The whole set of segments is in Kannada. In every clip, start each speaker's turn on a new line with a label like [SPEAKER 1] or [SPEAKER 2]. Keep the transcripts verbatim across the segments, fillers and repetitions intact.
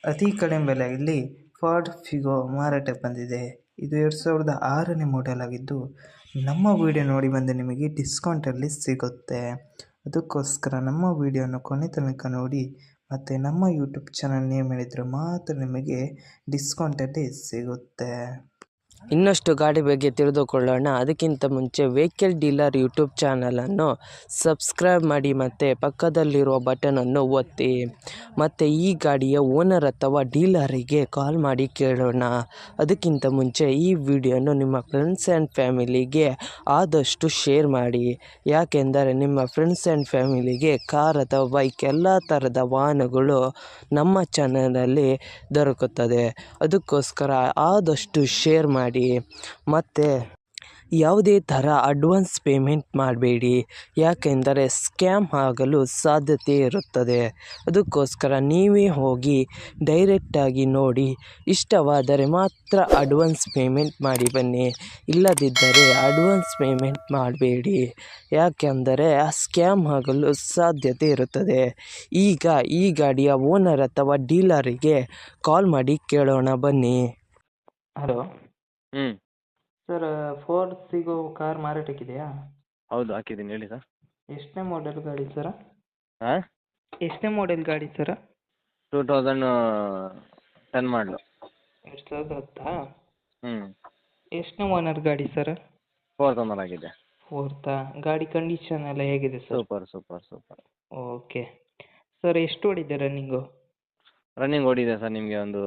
[SPEAKER 1] ಅತಿ ಕಡಿಮೆ ಬೆಲೆಯಲ್ಲಿ ಫಾರ್ಡ್ ಫಿಗೋ ಮಾರಾಟಕ್ಕೆ ಬಂದಿದೆ. ಇದು ಎರಡು ಸಾವಿರದ ಆರನೇ ಮಾಡೆಲ್ ಆಗಿದ್ದು ನಮ್ಮ ವಿಡಿಯೋ ನೋಡಿ ಬಂದು ನಿಮಗೆ ಡಿಸ್ಕೌಂಟಲ್ಲಿ ಸಿಗುತ್ತೆ. ಅದಕ್ಕೋಸ್ಕರ ನಮ್ಮ ವಿಡಿಯೋನ ಕೊನೆ ತನಕ ನೋಡಿ ಮತ್ತು ನಮ್ಮ ಯೂಟ್ಯೂಬ್ ಚಾನಲ್ ನೇಮ್ ಹೇಳಿದರೆ ಮಾತ್ರ ನಿಮಗೆ ಡಿಸ್ಕೌಂಟಲ್ಲಿ ಸಿಗುತ್ತೆ.
[SPEAKER 2] ಇನ್ನಷ್ಟು ಗಾಡಿ ಬಗ್ಗೆ ತಿಳಿದುಕೊಳ್ಳೋಣ. ಅದಕ್ಕಿಂತ ಮುಂಚೆ ವೆಹಿಕಲ್ ಡೀಲರ್ ಯೂಟ್ಯೂಬ್ ಚಾನಲನ್ನು ಸಬ್ಸ್ಕ್ರೈಬ್ ಮಾಡಿ ಮತ್ತು ಪಕ್ಕದಲ್ಲಿರುವ ಬಟನನ್ನು ಒತ್ತಿ. ಮತ್ತು ಈ ಗಾಡಿಯ ಓನರ್ ಅಥವಾ ಡೀಲರಿಗೆ ಕಾಲ್ ಮಾಡಿ ಕೇಳೋಣ. ಅದಕ್ಕಿಂತ ಮುಂಚೆ ಈ ವಿಡಿಯೋನು ನಿಮ್ಮ ಫ್ರೆಂಡ್ಸ್ ಆ್ಯಂಡ್ ಫ್ಯಾಮಿಲಿಗೆ ಆದಷ್ಟು ಶೇರ್ ಮಾಡಿ. ಯಾಕೆಂದರೆ ನಿಮ್ಮ ಫ್ರೆಂಡ್ಸ್ ಆ್ಯಂಡ್ ಫ್ಯಾಮಿಲಿಗೆ ಕಾರ್ ಅಥವಾ ಬೈಕ್ ಎಲ್ಲ ಥರದ ವಾಹನಗಳು ನಮ್ಮ ಚಾನಲಲ್ಲಿ ದೊರಕುತ್ತದೆ. ಅದಕ್ಕೋಸ್ಕರ ಆದಷ್ಟು ಶೇರ್ ಮಾಡಿ. ಮತ್ತು ಯಾವುದೇ ಥರ ಅಡ್ವಾನ್ಸ್ ಪೇಮೆಂಟ್ ಮಾಡಬೇಡಿ, ಯಾಕೆಂದರೆ ಸ್ಕ್ಯಾಮ್ ಆಗಲು ಸಾಧ್ಯತೆ ಇರುತ್ತದೆ. ಅದಕ್ಕೋಸ್ಕರ ನೀವೇ ಹೋಗಿ ಡೈರೆಕ್ಟಾಗಿ ನೋಡಿ, ಇಷ್ಟವಾದರೆ ಮಾತ್ರ ಅಡ್ವಾನ್ಸ್ ಪೇಮೆಂಟ್ ಮಾಡಿ ಬನ್ನಿ. ಇಲ್ಲದಿದ್ದರೆ ಅಡ್ವಾನ್ಸ್ ಪೇಮೆಂಟ್ ಮಾಡಬೇಡಿ, ಯಾಕೆಂದರೆ ಸ್ಕ್ಯಾಮ್ ಆಗಲು ಸಾಧ್ಯತೆ ಇರುತ್ತದೆ. ಈಗ ಈ ಗಾಡಿಯ ಓನರ್ ಅಥವಾ ಡೀಲರಿಗೆ ಕಾಲ್ ಮಾಡಿ ಕೇಳೋಣ ಬನ್ನಿ.
[SPEAKER 1] ಹಲೋ
[SPEAKER 3] ಹ್ಞೂ
[SPEAKER 1] ಸರ್, ಫೋರ್ಡ್ ಫಿಗೋ ಕಾರ್ ಮಾರಾಟಕ್ಕಿದೆಯಾ?
[SPEAKER 3] ಹೌದು, ಹಾಕಿದ್ದೀನಿ ಹೇಳಿ ಸರ್.
[SPEAKER 1] ಎಷ್ಟನೇ ಮಾಡೆಲ್ ಗಾಡಿ ಸರ?
[SPEAKER 3] ಹಾಂ
[SPEAKER 1] ಎಷ್ಟನೇ ಮಾಡೆಲ್ ಗಾಡಿ ಸರ?
[SPEAKER 3] ಟೂ ತೌಸಂಡ್ ಟೆನ್ ಮಾಡಲು.
[SPEAKER 1] ಎರಡು ಸಾವಿರದ ಹತ್ತಾ?
[SPEAKER 3] ಹ್ಞೂ
[SPEAKER 1] ಎಷ್ಟನೇ ಓನರ್ ಗಾಡಿ ಸರ್?
[SPEAKER 3] ಫೋರ್ತ್ ಓನರ್ ಆಗಿದೆ.
[SPEAKER 1] ಫೋರ್ತಾ? ಗಾಡಿ ಕಂಡೀಷನ್ ಎಲ್ಲ ಹೇಗಿದೆ sir?
[SPEAKER 3] Super super super.
[SPEAKER 1] Okay sir, ಎಷ್ಟು ಓಡಿದೆ ರನ್ನಿಂಗು?
[SPEAKER 3] ರನ್ನಿಂಗ್ ಓಡಿದೆ ಸರ್ ನಿಮಗೆ ಒಂದು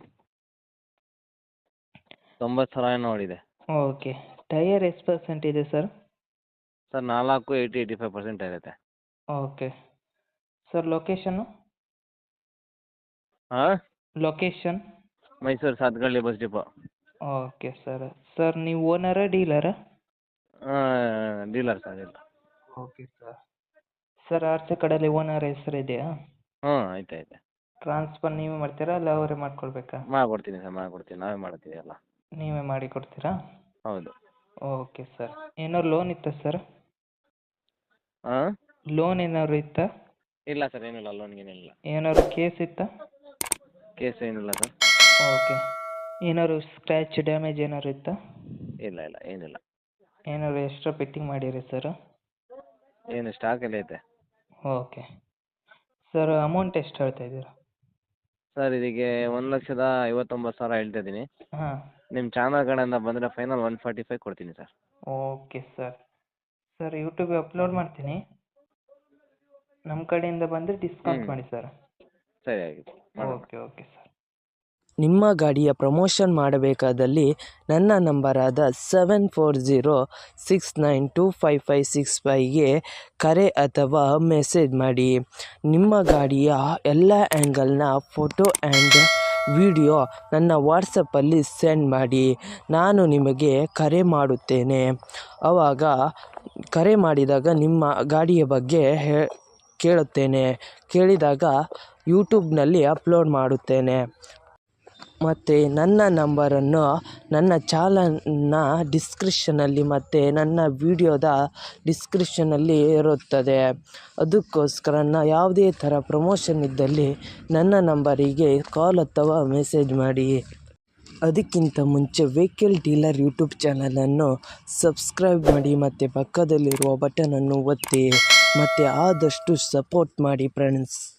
[SPEAKER 3] ತೊಂಬತ್ತು ಸಾವಿರ ಏನೋ ಓಡಿದೆ.
[SPEAKER 1] ಓಕೆ, ಟೈಯರ್ ಎಷ್ಟು ಪರ್ಸೆಂಟ್ ಇದೆ ಸರ್?
[SPEAKER 3] ಸರ್ ನಾಲ್ಕು ಏಯ್ಟಿ ಏಯ್ಟಿ ಫೈವ್ ಪರ್ಸೆಂಟ್ ಇರುತ್ತೆ.
[SPEAKER 1] Okay sir, location?
[SPEAKER 3] ಹಾಂ,
[SPEAKER 1] location?
[SPEAKER 3] Mysuru Satgalli bus depot.
[SPEAKER 1] Okay sir. Sir ನೀವು ಓನರಾ ಡೀಲರಾ?
[SPEAKER 3] ಡೀಲರ್ ಸರ್ ಇಲ್ಲ.
[SPEAKER 1] Okay sir. ಸರ್ ಆಚೆ ಕಡೆಯಲ್ಲಿ ಓನರ್ ಹೆಸರು ಇದೆಯಾ?
[SPEAKER 3] ಹ್ಞೂ ಐತೆ ಐತೆ.
[SPEAKER 1] ಟ್ರಾನ್ಸ್ಫರ್ ನೀವೇ ಮಾಡ್ತೀರಾ ಅಲ್ಲ ಅವರೇ ಮಾಡ್ಕೊಳ್ಬೇಕಾ?
[SPEAKER 3] ಮಾಡಿಕೊಡ್ತೀನಿ ಸರ್, ಮಾಡಿಕೊಡ್ತೀನಿ, ನಾವೇ ಮಾಡ್ತೀವಿ ಎಲ್ಲ.
[SPEAKER 1] ನೀವೇ ಮಾಡಿ ಕೊಡ್ತೀರಾ?
[SPEAKER 3] ಹೌದು.
[SPEAKER 1] Okay sir. ಏನಾದ್ರು ಲೋನ್ ಇತ್ತಾ ಸರ್?
[SPEAKER 3] ಹಾಂ,
[SPEAKER 1] ಲೋನ್ ಏನಾದ್ರು ಇತ್ತಾ?
[SPEAKER 3] ಇಲ್ಲ ಸರ್, ಏನಿಲ್ಲ, ಲೋನ್ಗೇನಿಲ್ಲ.
[SPEAKER 1] ಏನಾದ್ರು ಕೇಸ್ ಇತ್ತಾ?
[SPEAKER 3] ಕೇಸ್ ಏನಿಲ್ಲ ಸರ್.
[SPEAKER 1] ಓಕೆ. ಏನಾದ್ರು ಸ್ಕ್ರ್ಯಾಚ್ ಡ್ಯಾಮೇಜ್ ಏನಾದ್ರು ಇತ್ತಾ?
[SPEAKER 3] ಇಲ್ಲ ಇಲ್ಲ ಏನಿಲ್ಲ.
[SPEAKER 1] ಏನಾದ್ರು ಎಕ್ಸ್ಟ್ರಾ ಫಿಟ್ಟಿಂಗ್ ಮಾಡಿರಿ ಸರ್?
[SPEAKER 3] ಏನು ಸ್ಟಾಕಲ್ಲಿ ಐತೆ.
[SPEAKER 1] Okay sir. ಅಮೌಂಟ್ ಎಷ್ಟು ಹೇಳ್ತಾ ಇದ್ದೀರಾ?
[SPEAKER 3] ಸರ್ ಇದಕ್ಕೆ ಒಂದು ಲಕ್ಷದ ಐವತ್ತೊಂಬತ್ತು ಸಾವಿರ ಹೇಳ್ತಾ ಇದ್ದೀನಿ.
[SPEAKER 1] ಹಾಂ.
[SPEAKER 3] ನಿಮ್ಮ ಚಾನಲ್ ಕಡೆಯಿಂದ ಬಂದರೆ ಫೈನಲ್ ಒನ್ ಫಾರ್ಟಿ ಫೈವ್ ಕೊಡ್ತೀನಿ ಸರ್.
[SPEAKER 1] Okay sir. ಸರ್ ಯೂಟ್ಯೂಬಿಗೆ ಅಪ್ಲೋಡ್ ಮಾಡ್ತೀನಿ, ನಮ್ಮ ಕಡೆಯಿಂದ ಬಂದರೆ ಡಿಸ್ಕೌಂಟ್ ಮಾಡಿ ಸರ್.
[SPEAKER 3] ಸರಿ ಆಗಿದೆ.
[SPEAKER 1] Okay okay sir.
[SPEAKER 2] ನಿಮ್ಮ ಗಾಡಿಯ ಪ್ರಮೋಷನ್ ಮಾಡಬೇಕಾದಲ್ಲಿ ನನ್ನ ನಂಬರಾದ seven four zero six nine two five five six ಫೈವ್ಗೆ ಕರೆ ಅಥವಾ ಮೆಸೇಜ್ ಮಾಡಿ. ನಿಮ್ಮ ಗಾಡಿಯ ಎಲ್ಲ ಆ್ಯಂಗಲ್ನ ಫೋಟೋ ಆ್ಯಂಡ್ ವಿಡಿಯೋ ನನ್ನ ವಾಟ್ಸಪ್ಪಲ್ಲಿ ಸೆಂಡ್ ಮಾಡಿ. ನಾನು ನಿಮಗೆ ಕರೆ ಮಾಡುತ್ತೇನೆ. ಆವಾಗ ಕರೆ ಮಾಡಿದಾಗ ನಿಮ್ಮ ಗಾಡಿಯ ಬಗ್ಗೆ ಹೇ ಕೇಳುತ್ತೇನೆ. ಕೇಳಿದಾಗ ಯೂಟ್ಯೂಬ್ನಲ್ಲಿ ಅಪ್ಲೋಡ್ ಮಾಡುತ್ತೇನೆ. ಮತ್ತು ನನ್ನ ನಂಬರನ್ನು ನನ್ನ ಚಾನಲ್ನ ಡಿಸ್ಕ್ರಿಪ್ಷನಲ್ಲಿ ಮತ್ತು ನನ್ನ ವಿಡಿಯೋದ ಡಿಸ್ಕ್ರಿಪ್ಷನಲ್ಲಿ ಇರುತ್ತದೆ. ಅದಕ್ಕೋಸ್ಕರ ನಾ ಯಾವುದೇ ಥರ ಪ್ರಮೋಷನ್ ಇದ್ದಲ್ಲಿ ನನ್ನ ನಂಬರಿಗೆ ಕಾಲ್ ಅಥವಾ ಮೆಸೇಜ್ ಮಾಡಿ. ಅದಕ್ಕಿಂತ ಮುಂಚೆ ವೆಹಿಕಲ್ ಡೀಲರ್ ಯೂಟ್ಯೂಬ್ ಚಾನಲನ್ನು ಸಬ್ಸ್ಕ್ರೈಬ್ ಮಾಡಿ ಮತ್ತು ಪಕ್ಕದಲ್ಲಿರುವ ಬಟನನ್ನು ಒತ್ತಿ ಮತ್ತು ಆದಷ್ಟು ಸಪೋರ್ಟ್ ಮಾಡಿ ಫ್ರೆಂಡ್ಸ್.